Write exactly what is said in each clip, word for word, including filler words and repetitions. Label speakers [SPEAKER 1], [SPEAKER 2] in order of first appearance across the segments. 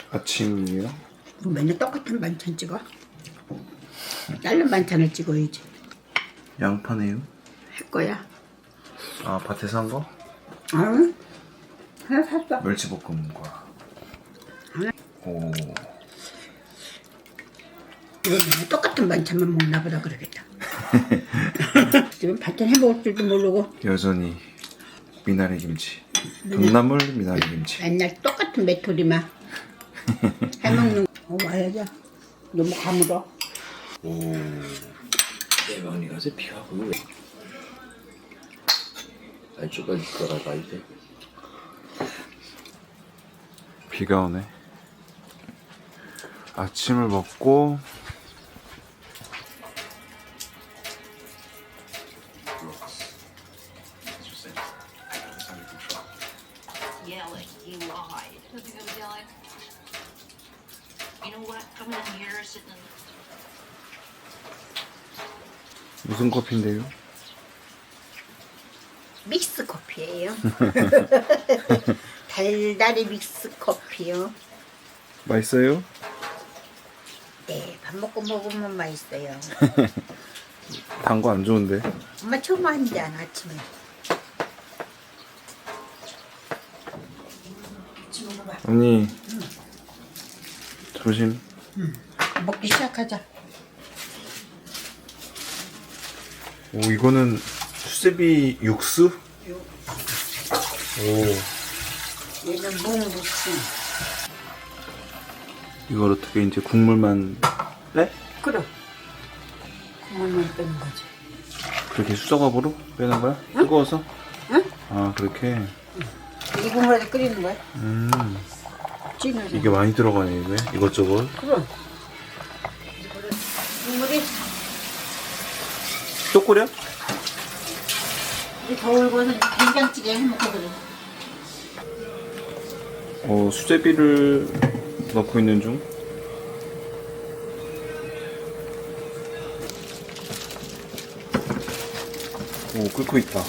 [SPEAKER 1] 아침이에요?
[SPEAKER 2] 뭐 맨날 똑같은 반찬 찍어? 다른 반찬을 찍어야지.
[SPEAKER 1] 양파네요?
[SPEAKER 2] 할 거야.
[SPEAKER 1] 아, 밭에서 한 거?
[SPEAKER 2] 응? 하나 샀어.
[SPEAKER 1] 멸치볶음과.
[SPEAKER 2] 하나.
[SPEAKER 1] 오.
[SPEAKER 2] 왜 맨날 똑같은 반찬만 먹나 보다 그러겠다. 지금 반찬 해먹을 줄도 모르고
[SPEAKER 1] 여전히 미나리 김치. 동나물 미나리 김치.
[SPEAKER 2] 맨날 똑같은 메토리만 해먹는 거. 어, 와야지. 너무 가물어.
[SPEAKER 1] 오. 대박이 가서 비가 보여.
[SPEAKER 3] 안쪽까지 돌아가야 돼.
[SPEAKER 1] 비가 오네. 아침을 먹고
[SPEAKER 4] Yeah, like you lied. Doesn't go to jelly. You know what? Coming in here, sitting in.
[SPEAKER 1] 무슨 커피인데요?
[SPEAKER 2] 믹스 커피예요. 달달이 믹스 커피요.
[SPEAKER 1] 맛있어요?
[SPEAKER 2] 네, 밥 먹고 먹으면 맛있어요.
[SPEAKER 1] 단 거 안 좋은데.
[SPEAKER 2] 엄마 처음 한잔 아침에. 같이 먹어봐.
[SPEAKER 1] 언니. 응. 조심.
[SPEAKER 2] 응. 먹기 시작하자.
[SPEAKER 1] 오, 이거는 수제비 육수?
[SPEAKER 2] 육.
[SPEAKER 1] 오.
[SPEAKER 2] 얘는 묵묵지.
[SPEAKER 1] 이걸 어떻게 이제 국물만 빼?
[SPEAKER 2] 그래. 국물만 빼는 거지.
[SPEAKER 1] 그렇게 수저갑으로 빼는 거야? 응? 뜨거워서?
[SPEAKER 2] 응?
[SPEAKER 1] 아, 그렇게?
[SPEAKER 2] 이 국물에 끓이는 거야.
[SPEAKER 1] 음.
[SPEAKER 2] 찌면서.
[SPEAKER 1] 이게 많이 들어가네, 이게. 이것저것.
[SPEAKER 2] 그래. 국물이
[SPEAKER 1] 또 끓여?
[SPEAKER 2] 이 더울 거는 된장찌개 해먹거든.
[SPEAKER 1] 어, 수제비를 넣고 있는 중. 오, 끓고 있다.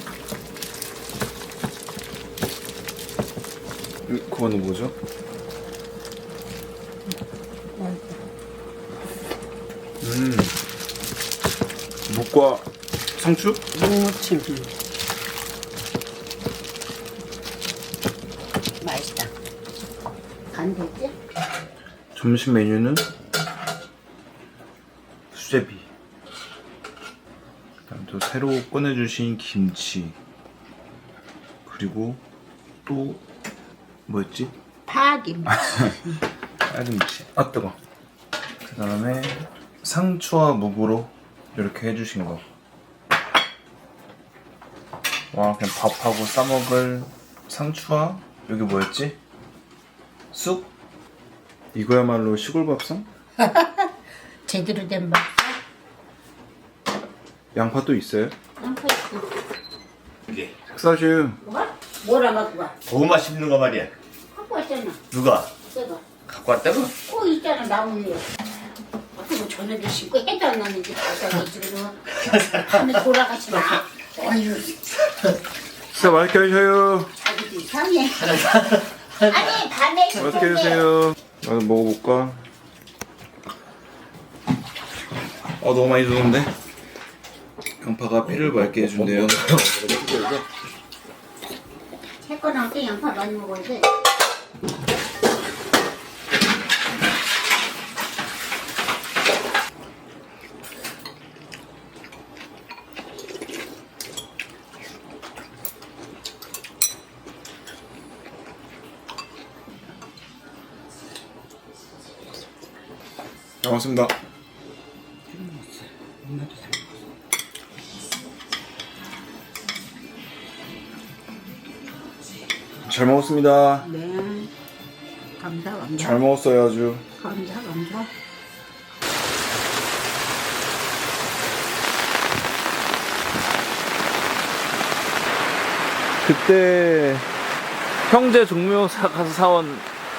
[SPEAKER 1] 이, 그거는 뭐죠? 음, 묵과 상추?
[SPEAKER 2] 묵무침. 맛있다. 간 됐지?
[SPEAKER 1] 점심 메뉴는 수제비. 그다음 또 새로 꺼내주신 김치. 그리고 또 뭐였지?
[SPEAKER 2] 파김치.
[SPEAKER 1] 파김치. 아 뜨거. 그 다음에 상추와 묵으로 이렇게 해주신 거. 와, 그냥 밥하고 싸먹을 상추와 여기 뭐였지? 쑥? 이거야말로 시골 밥상?
[SPEAKER 2] 제대로 된 맛.
[SPEAKER 1] 양파 또 있어요?
[SPEAKER 2] 양파 있어.
[SPEAKER 3] 이게
[SPEAKER 1] 식사슈.
[SPEAKER 2] 뭐가? 뭐라 갖고 가?
[SPEAKER 3] 너무 맛있는 거 말이야.
[SPEAKER 2] 갖고 왔잖아.
[SPEAKER 3] 누가
[SPEAKER 2] 새거.
[SPEAKER 3] 갖고 왔다고?
[SPEAKER 2] 꼭 있잖아 나무 위에. 어떻게 뭐 저녁에 씻고 해도 안 나는지 가서 지금 하늘 돌아가시나. 어휴.
[SPEAKER 1] 식사 맛있게 하셔요.
[SPEAKER 2] 자기도 이상해. 아니 밤에
[SPEAKER 1] 맛있게 해주세요. 나도 먹어볼까? 어, 너무 많이 주는데? 양파가 피를 맑게 해준대요.
[SPEAKER 2] 새거 때 양파 많이 먹어야 돼.
[SPEAKER 1] 잘 먹습니다. 잘 먹었습니다.
[SPEAKER 2] 네. 감사 감사.
[SPEAKER 1] 잘 먹었어요, 아주.
[SPEAKER 2] 감사 감사.
[SPEAKER 1] 그때 형제 종묘사 가서 사온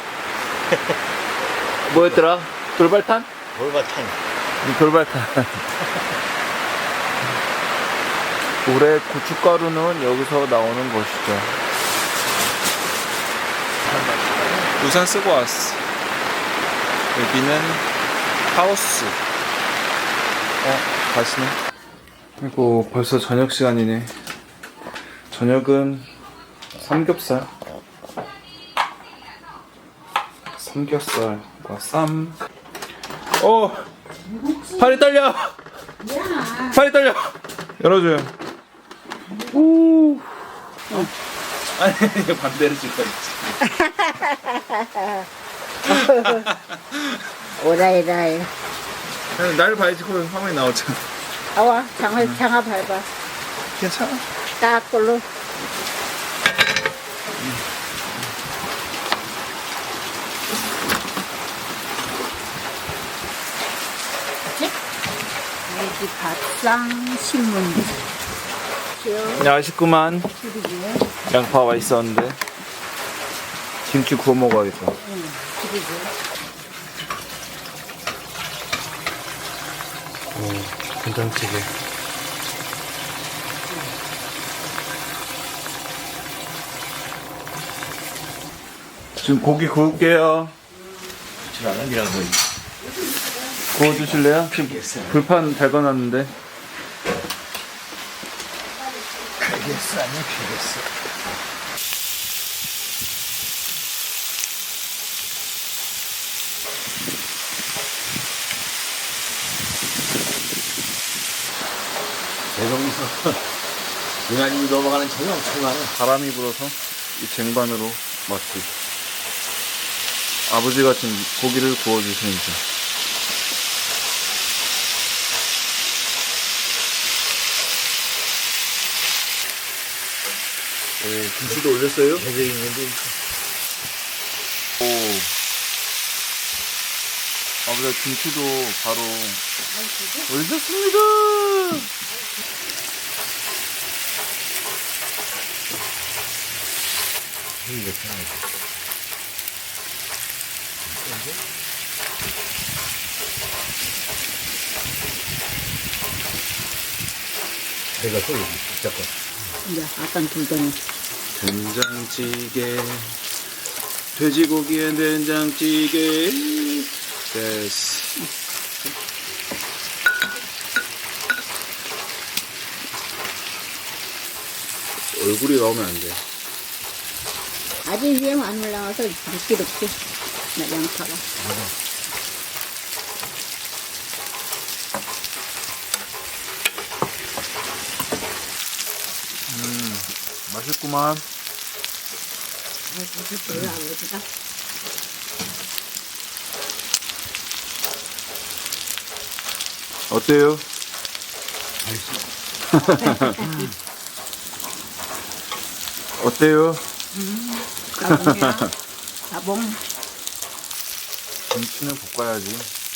[SPEAKER 1] 뭐였더라? 돌발탄?
[SPEAKER 3] 돌바탕.
[SPEAKER 1] 이 돌발탄. 올해 고춧가루는 여기서 나오는 것이죠. 우산 쓰고 왔어. 여기는 하우스. 어, 가시네. 그리고 벌써 저녁 시간이네. 저녁은 삼겹살. 삼겹살과 쌈. 어! 팔이 떨려!
[SPEAKER 2] 야,
[SPEAKER 1] 팔이 떨려! 열어줘요. 오! 어. 아니, 이거 반대로 줄 거지.
[SPEAKER 2] 오라이라이.
[SPEAKER 1] 날 봐야지, 그럼 화면이 나오잖아.
[SPEAKER 2] 아와, 장화, 장화 밟아.
[SPEAKER 1] 괜찮아.
[SPEAKER 2] 딱 걸로. 여기 밥상 신문지. 귀여워.
[SPEAKER 1] 아쉽구만.
[SPEAKER 2] 그러게.
[SPEAKER 1] 양파 맛있었는데. 김치 구워 먹어야겠다.
[SPEAKER 2] 응, 그러게.
[SPEAKER 1] 오, 된장찌개. 지금 고기 구울게요.
[SPEAKER 3] 줄 알았니라고.
[SPEAKER 1] 구워주실래요? 지금 불판 달궈놨는데.
[SPEAKER 3] 알겠어, 아니야, 알겠어. 대동에서 유난히 넘어가는 차이 엄청 많아.
[SPEAKER 1] 바람이 불어서 이 쟁반으로 마치 아버지가 지금 고기를 구워주시는 중.
[SPEAKER 3] 네, 김치도 올렸어요? 계절 있는데.
[SPEAKER 1] 오. 아버지가 김치도 바로 올렸습니다.
[SPEAKER 3] 이거 편하게. 내가 또 여기 붙잡고.
[SPEAKER 2] 이제 아깐 불더니.
[SPEAKER 1] 된장찌개, 돼지고기엔 된장찌개. 됐어. 얼굴이 나오면 안 돼.
[SPEAKER 2] 아직 위에 안 올라와서 미끼롭게. 나 양파가.
[SPEAKER 1] 음, 맛있구만.
[SPEAKER 2] 맛있어요, 아버지가.
[SPEAKER 1] 어때요? 어때요?
[SPEAKER 2] 가봉이야. 가봉.
[SPEAKER 1] 김치는 볶아야지.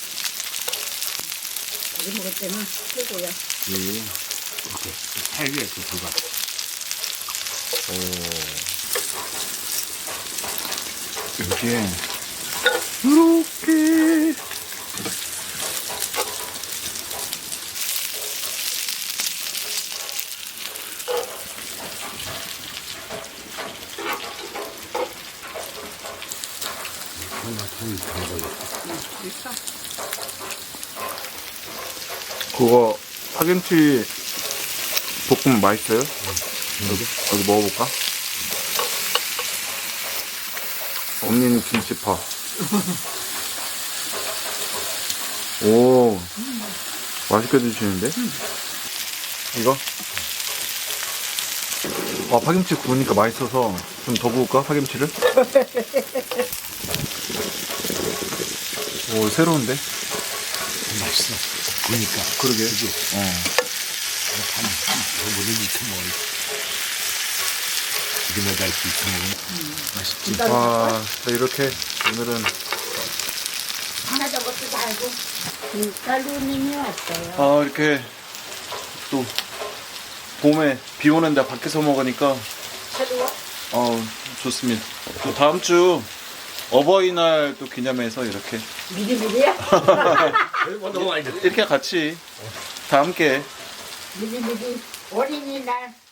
[SPEAKER 2] 우리 먹을 때는 최고야.
[SPEAKER 1] 이.
[SPEAKER 3] 이렇게 팔 위에 이렇게 들어가.
[SPEAKER 1] 이게 이렇게
[SPEAKER 2] 있어.
[SPEAKER 1] 그거 파김치 볶음 맛있어요? 여기 여기 먹어볼까? 언니는 김치파. 오, 맛있게 드시는데? 이거? 와, 파김치 구우니까 맛있어서 좀 더 구울까? 파김치를? 오, 새로운데?
[SPEAKER 3] 맛있어. 그러니까.
[SPEAKER 1] 그러게.
[SPEAKER 3] 그지?
[SPEAKER 1] 어.
[SPEAKER 3] 한, 한, 뭐, 뭐든지 익혀 먹어. 기름에다 이렇게 익혀 먹으면 맛있지.
[SPEAKER 1] 와, 자, 이렇게 오늘은
[SPEAKER 2] 하나 저것도 달고. 김가루님이 왔어요.
[SPEAKER 1] 아, 이렇게 또 봄에 비 오는데 밖에서 먹으니까
[SPEAKER 2] 새로워?
[SPEAKER 1] 어, 좋습니다. 또 다음 주 어버이날 또 기념해서 이렇게
[SPEAKER 2] 미리미리야?
[SPEAKER 3] 뭐 너무 많이 됐
[SPEAKER 1] 이렇게 같이 다 함께
[SPEAKER 2] 미리미리 어린이날